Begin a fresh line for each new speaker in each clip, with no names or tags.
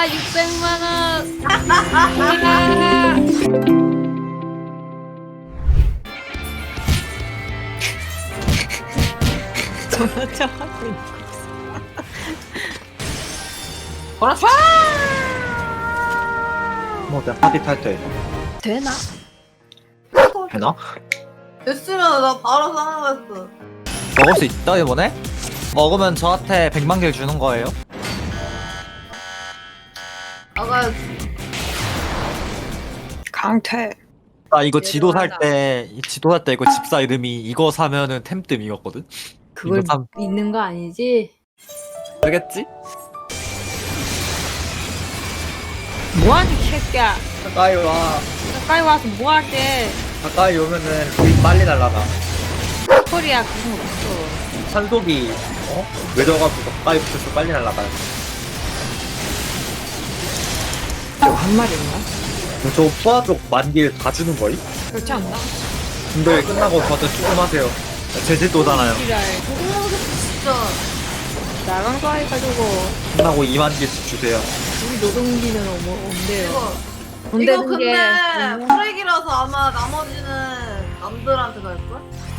와, 600만 원.
전화차 하고 있는 거.
그렇지.
뭐 내가 파티 탈 때
되나?
되나?
됐으면 나 바로 사는 거였어.
먹을 수 있다 이번에? 먹으면 저한테 100만 개를 주는 거예요?
나가야지.
강퇴.
아 이거 지도 살
내려가자.
때 지도 살 때 이거 집사 이름이 이거 사면은 템뜸이었거든?
그걸
이거 참
있는 거 아니지?
알겠지?
뭐하니, 이 새끼야.
가까이 와
가까이 와서 뭐하게.
가까이 오면은 우리 빨리 날라가
소리야, 그런 거 없어.
산속이 외져가지고 가까이 붙어서 빨리 날라가
이거 한 마리인가?
저 포화족 만길 다 주는 거임?
그렇지 않나?
근데 끝나고 저한테 수금하세요 제주도잖아요
지랄.
진짜.
나간 거 해가지고,
끝나고 2만 개씩 주세요
우리 노동비는 없대요.
이거
돈되는
근데
게.
쓰레기라서 아마 나머지는 남들한테 갈걸?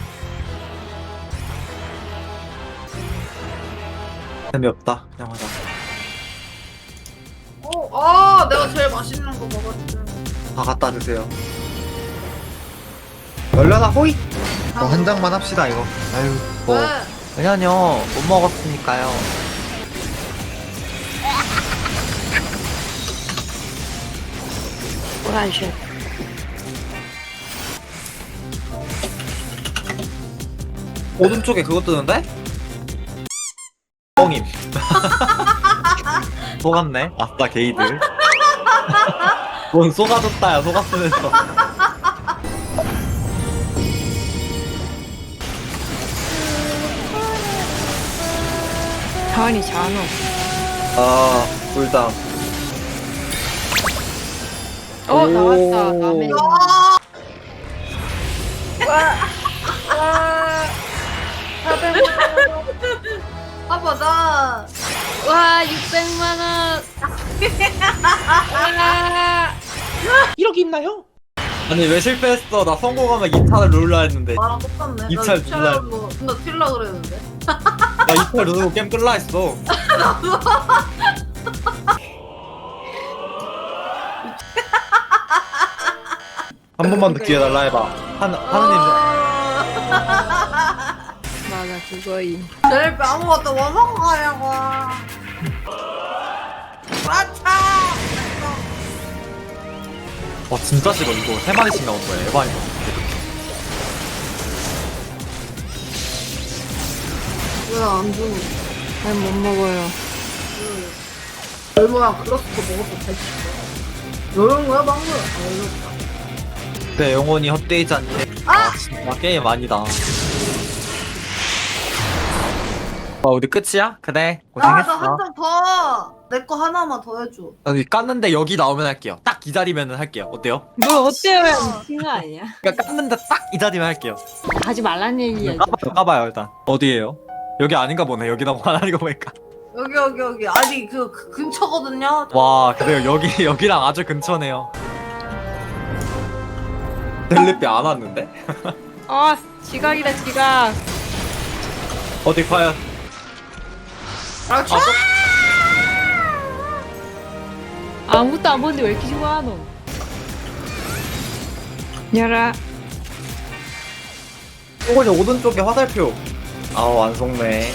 재미없다 그냥 하자
내가 제일 맛있는 거 먹었지.
다 갖다 주세요 열려나 호이 한 장만 합시다 이거 아유 뭐
왜?
왜냐뇨 못 먹었으니까요
오란쉣.
오른쪽에 그거 뜨는데? 뻥임 속았네 아싸 게이들 뭔 속아줬다야 속았으면서
하은이 잔호.
아 꿀당
어, 나왔다. 남의.
아빠 나
와, 600만 원. 와.
1억 있나요?
아니 왜 실패했어 나 성공하면 2차를 룰라 했는데
나랑 똑같네.
입찰
나
눌러야
입찰로 나 튈라 그랬는데.
나 2차 누르고 게임 끌라 했어 한 번만 더 기회 달라 해봐 하느님
맞아, 그거임.
제일 아무것도 못 먹고 가냐고. 그렇지.
와 진짜 싫어 이거 3마리씩 나온 거야 에바이거
왜안 주는
난 못 먹어요.
얼마야 그렇게 먹어도 잘 씹어. 이런 거야 방금? 이렇다.
내 영혼이 헛되이지 않게 아 진짜 게임 아니다 와 우리 끝이야? 그래
나한
고생했어
장 더. 내 거 하나만 더 해줘.
여기 깠는데 여기 나오면 할게요 딱 이 자리면 할게요 어때요?
뭘 어때요? 미친 거 아니야?
그러니까 깠는데 딱 이 자리면 할게요
하지 말란 얘기야.
까봐요 일단 어디에요? 여기 아닌가 보네 여기라고 안 하는 거 보니까
여기. 아니 그 근처거든요.
와 그래요 여기랑 아주 근처네요 델리피 안 왔는데?
아, 지각이다, 지각.
어디 과연
그렇지.
아무것도 안 보는데 왜 이렇게 좋아하노?
열아.
이거는 오른쪽에 화살표 아우 안 속네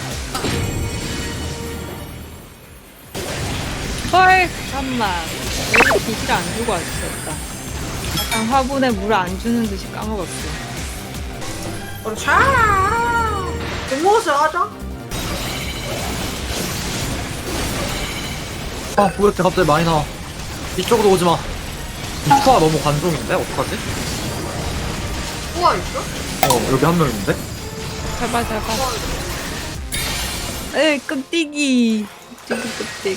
헐, 잠깐만. 왜 빛을 안 주고 왔었다. 약간 화분에 물 안 주는 듯이 까먹었어.
그렇지. 공모스 하자.
아 왜 이렇게 갑자기 많이 나와 이쪽으로 오지마 이 투하 너무 관종인데? 어떡하지?
우와 있어?
여기 한 명 있는데?
잡아. 에이, 끔찍이. 끔찍.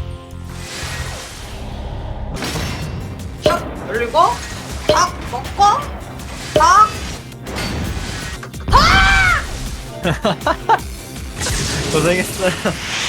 탁 열리고 탁 먹고 탁.
고생했어요